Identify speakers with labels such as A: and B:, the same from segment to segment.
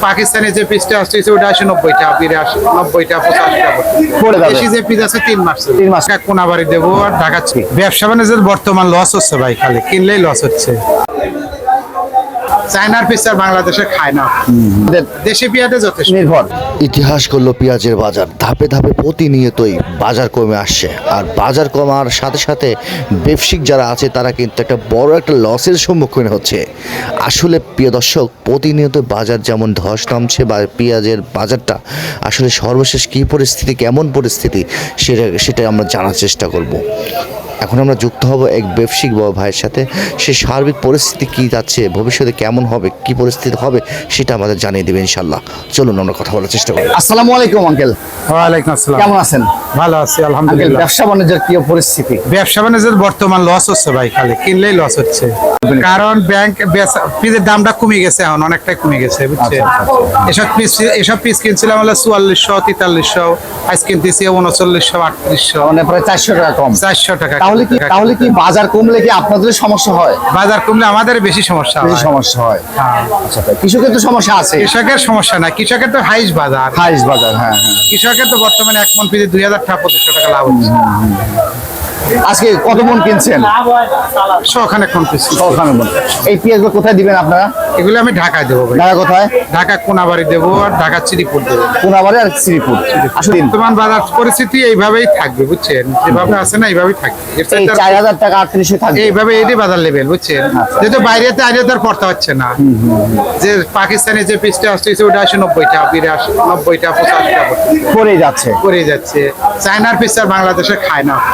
A: পাকিস্তানি যে পিসটা আসছে ওটা আসে 90টা 90টা 85টা দেশি যে পিস আছে 3 মাস
B: 3 মাস
A: কোনা বাড়ি দেবো আর ঢাকাচ্ছি। ব্যবসা বাণিজ্যের বর্তমান লস হচ্ছে ভাই, খালি কিনলেই লস হচ্ছে। চায়নার পিস আর বাংলাদেশে খায় না, দেশি পেঁয়াজে যথেষ্ট
B: নির্ভর।
C: ইতিহাস করলো পেঁয়াজের বাজার ধাপে ধাপে প্রতিনিয়তই বাজার কমে আসছে, আর বাজার কমার সাথে সাথে ব্যবসায়িক যারা আছে তারা কিন্তু একটা বড় একটা লসের সম্মুখীন হচ্ছে। আসলে প্রিয় দর্শক, প্রতিনিয়ত বাজার যেমন ধস নামছে বা পেঁয়াজের বাজারটা আসলে সর্বশেষ কী পরিস্থিতি, কেমন পরিস্থিতি সেটা আমরা জানার চেষ্টা করব। এখন আমরা যুক্ত হব এক ব্যবসায়িক বড় ভাইয়ের সাথে। সে সার্বিক পরিস্থিতি কী যাচ্ছে, ভবিষ্যতে কেমন হবে, কী পরিস্থিতি হবে সেটা আমাদের জানিয়ে দেবে ইনশাল্লাহ। চলুন আমরা কথা বলার চেষ্টা করি।
B: আসসালামু আলাইকুম আঙ্কেল।
A: ওয়ালাইকুম আসসালাম।
B: কেমন আছেন?
A: ভালো আছি আলহামদুলিল্লাহ।
B: ব্যবসা বাণিজ্যের কি পরিস্থিতি?
A: ব্যবসা বাণিজ্যের বর্তমান লস হচ্ছে ভাই, খালি কিনলেই লস হচ্ছে। কারণ ব্যাংক পিসের দামটা কমে গেছে, এখন অনেকটাই কমে গেছে বুঝছেন। এসব পিস কিনছিলাম হলো 4400 4300, আজ কিনতেছি 3900 3800,
B: মানে প্রায় 400 টাকা কম।
A: 400 টাকা।
B: তাহলে কি বাজার কমলে কি আপনাদের সমস্যা হয়?
A: বাজার কমলে আমাদের বেশি সমস্যা হয়।
B: সমস্যা হয়।
A: হ্যাঁ।
B: আচ্ছা, কৃষকের তো সমস্যা আছে।
A: কৃষকের সমস্যা না, কৃষকের তো হাইস বাজার।
B: হাইস বাজার, হ্যাঁ।
A: কৃষকের তো বর্তমানে 1 মণ পিসে 2000 টাকা 2500 টাকা লাভ হচ্ছে।
B: আজকে কত মন কিনছেন?
A: 100 কোন পিস।
B: 100 মন। এই পেঁয়াজগুলো কোথায় দিবেন আপনারা?
A: এগুলো আমি ঢাকায় দেবো ভাই।
B: ঢাকা কোথায়?
A: ঢাকা কোনাবাড়ি দেবো আর ঢাকা শ্রীপুর দেবো।
B: কোনাবাড়ি আর শ্রীপুর। আসলে
A: বর্তমান বাজার পরিস্থিতি এইভাবেই থাকবে বুঝছেন, যেভাবে আছে না এইভাবেই থাকবে।
B: এই 4000 টাকা 3800 থাকবে
A: এইভাবে এটাই বাজার লেভেল বুঝছেন। যেহেতু বাইরেতে আইলে তার পড়তে হচ্ছে না। যে পাকিস্তানি যে পিসটা আসছে ওটা আসে 90টা 90টা 85টা
B: পড়ে যাচ্ছে।
A: চায়নার পিস আর বাংলাদেশে খায় না।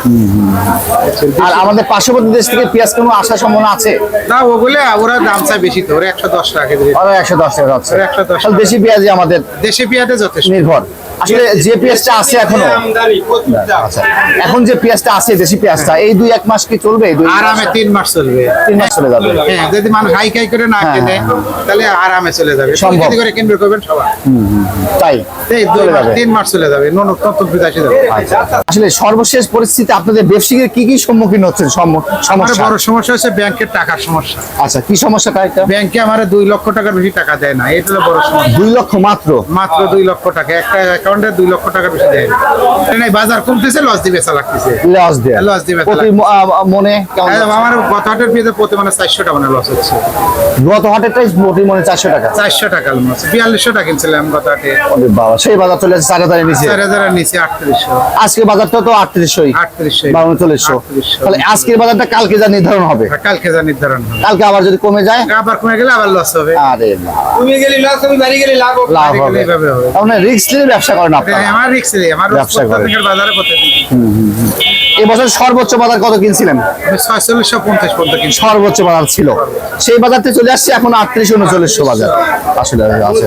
B: আর আমাদের পার্শ্ববর্তী দেশ থেকে পেঁয়াজ কোনো আসার সম্ভাবনা আছে?
A: না, ওগুলো ওরা দাম চায় বেশি, তো ওরা 110 টাকা কেজি।
B: 110 টাকা আছে।
A: 110
B: তাহলে দেশি পেঁয়াজই আমাদের
A: দেশি পেঁয়াজে যথেষ্ট
B: নির্ভর। আসলে যে পেঁয়াজটা আছে এখনো, আচ্ছা, এখন যে পেঁয়াজটা আছে দেশি পেঁয়াজটা এই 2-1 মাস কি চলবে?
A: আরামে 3 মাস চলবে।
B: 3 মাস চলে যাবে।
A: হ্যাঁ, যদি মানুষ হাই করে না কিনে তাহলে আরামে চলে যাবে।
B: সম্ভব।
A: করে কিনবে করবেন সবাই।
B: তাই
A: এই 3 মাস চলে যাবে, নতুন বিদেশি যাবে।
B: আসলে সর্বশেষ পরিস্থিতি আপনাদের ব্যবসায়ীদের কি সম্মুখীন হচ্ছেন?
A: আমার বড় সমস্যা হচ্ছে ব্যাংকের টাকার সমস্যা।
B: আচ্ছা, কি সমস্যাটা? এটা
A: ব্যাংকে আমার 2 লক্ষ টাকার বেশি টাকা দেয় না, এটা হলো বড় সমস্যা।
B: 2 লক্ষ মাত্র
A: 2 লক্ষ টাকা একটা অ্যাকাউন্টে 2 লক্ষ টাকা বেশি দেয় না। বাজার কমতেছে, লস দিবে লাগতেছে।
B: লস দিবে প্রতি মনে কেমন?
A: আমার গত হাটের পেঁয়াজে প্রতি মানে 400 টাকা লস হচ্ছে।
B: গত হাটেরটাই প্রতি মনে 400 টাকা।
A: 400 টাকা লস। 4200 টাকা কিনছিলাম গত হাটে।
B: ওরে বাবা, সেই বাজার চলে যাচ্ছে 4000 এর নিচে।
A: 4000 এর নিচে 3800।
B: আজকে বাজারটা তো 3800
A: বা
B: 3900। তাহলে আজকের বাজারটা কালকে যা নির্ধারণ হবে।
A: কালকে যা নির্ধারণ হবে।
B: কালকে আবার যদি কমে যায়,
A: আবার কমে গেলে আবার লস হবে।
B: আরে না,
A: কমে গেলে লস হবে, বাড়ি গেলে লাভ হবে।
B: লাভ হবে।
A: এইভাবে হবে।
B: তাহলে রিস্ক নিয়ে ব্যবসা করেন আপনারা?
A: আমার রিস্ক নেই, আমার
B: ব্যবসা করেন।
A: বাজারে প্রতিদিন।
B: এই বছর সর্বোচ্চ বাজার কত কিনছিলেন?
A: 4650 পর্যন্ত কিনছি।
B: সর্বোচ্চ বাজার ছিল, সেই বাজারতে চলে আসছে এখন 3800-3900 বাজার। আসলে আছে।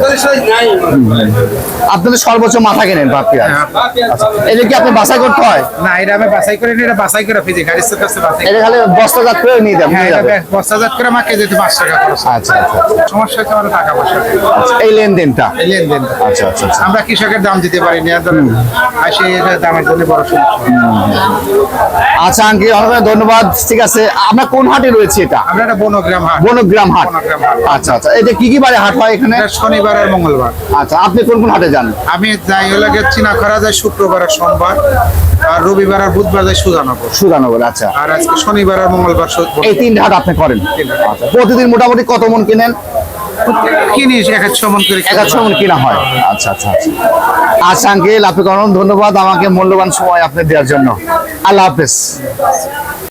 B: আপনাদের সর্বোচ্চ মাথা কেনেন পেঁয়াজ? আচ্ছা, এটা কি আপনি বাছাই করতে হয়?
A: না, এটা আমি বাছাই করে নিই, এটা বাছাই করে ফিজি গাড়ির কাছে বাছাই।
B: এটা খালি বস্তাজাত করে নিয়ে যাবেন?
A: হ্যাঁ, এটা বস্তাজাত করে আমাকে যেতে 5 টাকা খরচ।
B: আচ্ছা,
A: সমস্যা হচ্ছে আমার টাকা পয়সা।
B: এই লেনদেনটা।
A: লেনদেন।
B: আচ্ছা।
A: আমরা কৃষকের দাম দিতে পারি না, ধরেন আর সেই দামের জন্য বড় সমস্যা।
B: আচ্ছা আঙ্কেল, অনেক ধন্যবাদ। ঠিক আছে, আমরা কোন হাটে রয়েছে? এটা
A: আমরা একটা বনগ্রাম হাট।
B: বনগ্রাম হাট। আচ্ছা, এটা কি বারে হাট হয় এখানে?
A: শনিবার আর মঙ্গলবার।
B: আচ্ছা, আপনি কোন হাটে যান?
A: আমি যাই হলো চিনাখরা যায় শুক্রবার আর সোমবার, আর রবিবার আর বুধবার যায় সুজানগর।
B: আচ্ছা,
A: আর আজকে শনিবার আর মঙ্গলবার।
B: এই 3 হাট আপনি করেন? আচ্ছা, প্রতিদিন মোটামুটি কত মন কিনেন?
A: কিনি 100 মন করে।
B: 100 মন কিনা হয়। আচ্ছা আঙ্কেল, আপনাকে অনেক ধন্যবাদ আমাকে মূল্যবান সময় আপনি দেওয়ার জন্য। আল্লাহ হাফেজ।